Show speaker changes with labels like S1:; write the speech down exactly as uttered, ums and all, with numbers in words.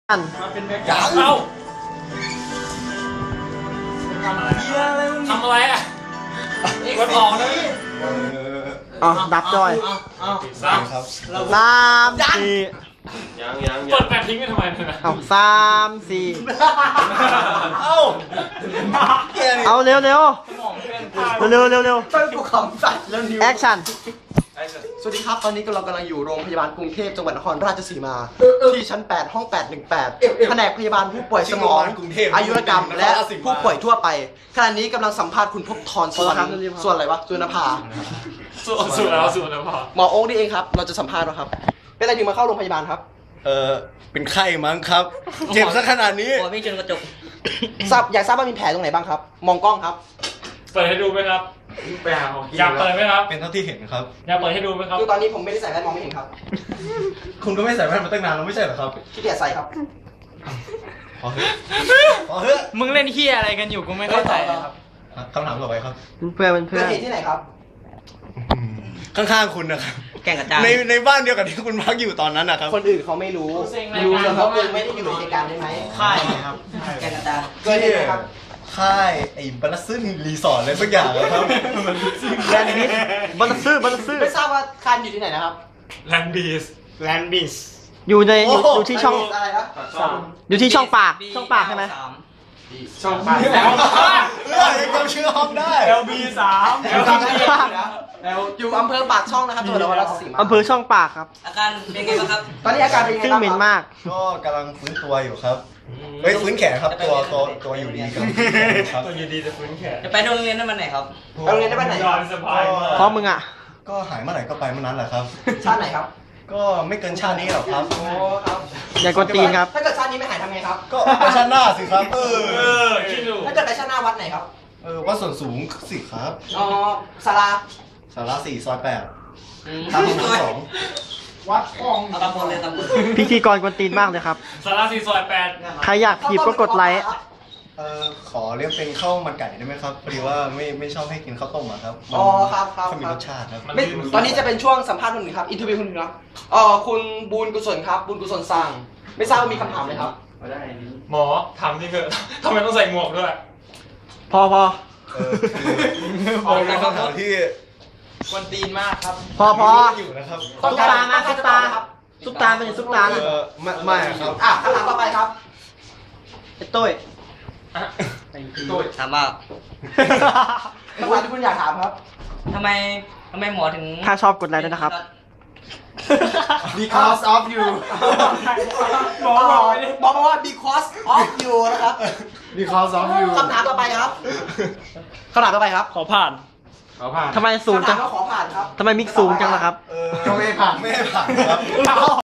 S1: อัน
S2: มาเป็นแบ็คกราวด์เอ้าทำอะไรทำอะไรอ่ะกดออกนะพี่
S1: อ๋อดับจอย
S2: สามครับ
S1: สามสี่
S2: ยังยังเปิดแปดทิ้งกันทำไมเนี่ย
S1: เอาสามสี่
S2: เอ้า
S1: เอาเร็วเร็วเร็วเร็วเร็ว
S3: ต้นกูขำสัตว์แล้วนิ้ว
S1: แอคชั่น
S3: สวัสดีครับตอนนี้เรากำลังอยู่โรงพยาบาลกรุงเทพจังหวัดนครราชสีมาที่ชั้นแปดห้องแปดหนึ่งแปดแผนกพยาบาลผู้ป่วยสมองอายุรกรรมและผู้ป่วยทั่วไปขณะนี้กำลังสัมภาษณ์คุณภพธรส่วนส่วนอะไรวะสุนภา
S2: ส่วนส่วนแล้วส่วนแล้วพอ
S3: หมอโอ๊คนี่เองครับเราจะสัมภาษณ์นะครับเป็นอะไรถึงมาเข้าโรงพยาบาลครับ
S4: เออเป็นไข้มั้งครับเจ็บซะขนาดนี้
S3: โอ้ยวิ่งจนกระจกทราบอยากทราบว่ามีแผลตรงไหนบ้างครับมองกล้องครับ
S2: เปิดให้ดูไหมครับอยากเปิดไหมครับ
S4: เป็นเท่าที่เห็นครับ
S2: อยากเปิดให้ดูไหมครับ
S3: คือตอนนี้ผมไม่ได้ใส่แว่นมองไม่เห็นครับ
S4: คุณก็ไม่ใส่แว่นมาตั้งนานแล้วไม่ใช่เหรอครับ
S3: ขี้เกียจใส่ครับ
S4: พอเถอะพอเถอะ
S2: มึงเล่นเฮียอะไรกันอยู่กูไม่เข้าใจครับ
S4: คำถามต่อไปครับ
S1: เพื่อนเพื่อน
S3: เกิดเหตุที่ไหนครับ
S4: ข้างๆคุณนะครับ
S3: แก่งกระจาย
S4: ในในบ้านเดียวกับที่คุณพักอยู่ตอนนั้นนะครับ
S3: คนอื่นเขาไม่รู้รู้เลยครับคุณไม่ได้อยู่ในเหตุการณ์ได้ไหม
S4: ค่ายครับ
S3: แก่งกระจายเกิดเหตุไหนครับ
S4: ค่ายไอ้บัลลัสซึนรีสอร์ทอะไรสักอย่างครับ
S1: แลนบิสบัลลัสซึบัลลัสซึ
S3: ไม่ทราบว่าค่ายอยู่ที่ไหนนะครับ
S2: แลนบิสแลนบิส
S1: อยู่ในอยู่อยู่ที่ช่อง
S3: อะไรครับ
S1: อยู่ที่ช่องปากช่องปากใช่ไหม
S2: ช่องปากแล้ว
S4: เรื่องยังจำชื่อห้องได้
S2: แอล บี สาม
S3: แอล บี อยู่อำเภอปากช่องนะครับจังหวัดนครราชสีมา
S1: อำเภอช่องปากครับ
S3: อาการเป็นไงบ้างครับตอนนี้อาการเป็นยังไง
S1: ซึ่งเหม็นมาก
S4: ก็กำลังฟื้นตัวอยู่ครับเฮ้ยฟื้นแขนครับตัวตัวตัวอยู่ดีครับ
S2: ตัวอยู่ดีจะฟื้นแขน
S3: จะไปโรงเรียนได้วันไหนครับไปโรงเรียนได้วันไหน
S1: พร้อมมึงอ่ะ
S4: ก็หายเมื่อไหร่ก็ไปเมื่อนั้นแหละครับ
S3: ชาติไหนครับ
S4: ก็ไม่เกินชาตินี้หรอกครับ
S3: โอ้ครับ
S1: อย่ากดตีนครับ
S3: ถ้าเกิดชาตินี้ไม่หายทำไงครับ
S4: ก็ไปชาติหน้าสิครับเออ
S2: เออคิดดู
S3: ถ้าเกิดไปชาติหน้าวัดไหนครับ
S4: เออวัดส่วนสูงสิครับ
S3: อ๋อศาลา
S4: ศาลาสี่ซอยแปดทางที่สอง
S3: วัดกองตำบลเลยตำบล
S1: พิธีกรกวนตีนมากเลยครับ
S2: ศาลาสี่ซอยแปด
S1: ใครอยากถีบก็กดไลค์
S4: เออขอเรียกเป็นข้าวมันไก่ได้ไหมครับพอดีว่าไม่ไม่ชอบให้กินข้าวต้มอะครับ
S3: อ๋อครับครับ
S4: มีรสชาติครับ
S3: ตอนนี้จะเป็นช่วงสัมภาษณ์คนหนึ่งครับอินเทอร์วิวคนหนึ่งครับเอ่อคุณบูญกุศลครับบูญกุศลสั่งไม่ทราบว่ามีคำถามไหมครับ
S2: หมอถามนี่คือทำไมต้องใส่หมวกด้วย
S1: พอพอ
S4: เออออกจากคำถามที่
S3: กวนตีนมากครับ
S1: พอพอ
S4: อยู่นะครับ
S1: ซุปตามาซุปตาซุปตาเป็นซุปตาเลย
S4: ไม่ไม่ครับ
S3: อ่ะคำถามต่อไปครับ
S1: ไอ้ตุ้ย
S3: ตุ้ยถามว่าคำถามที่คุณอยากถามครับทำไมทำไมหมอถึง
S1: ถ้าชอบกดไลค์ด้วยนะครับ
S3: because of you บอกบอกว่า because of you นะครับ
S4: because of you
S3: คำถามต่อไปครับคำถามต่อไปครับ
S2: ขอผ่านขอผ่าน
S1: ทำไมสูงจัง
S3: คำถามก็ขอผ่านครับ
S1: ทำไมมิกสูงจังล่ะครับ
S4: เออไม่ผ่านไม่ผ่านครับ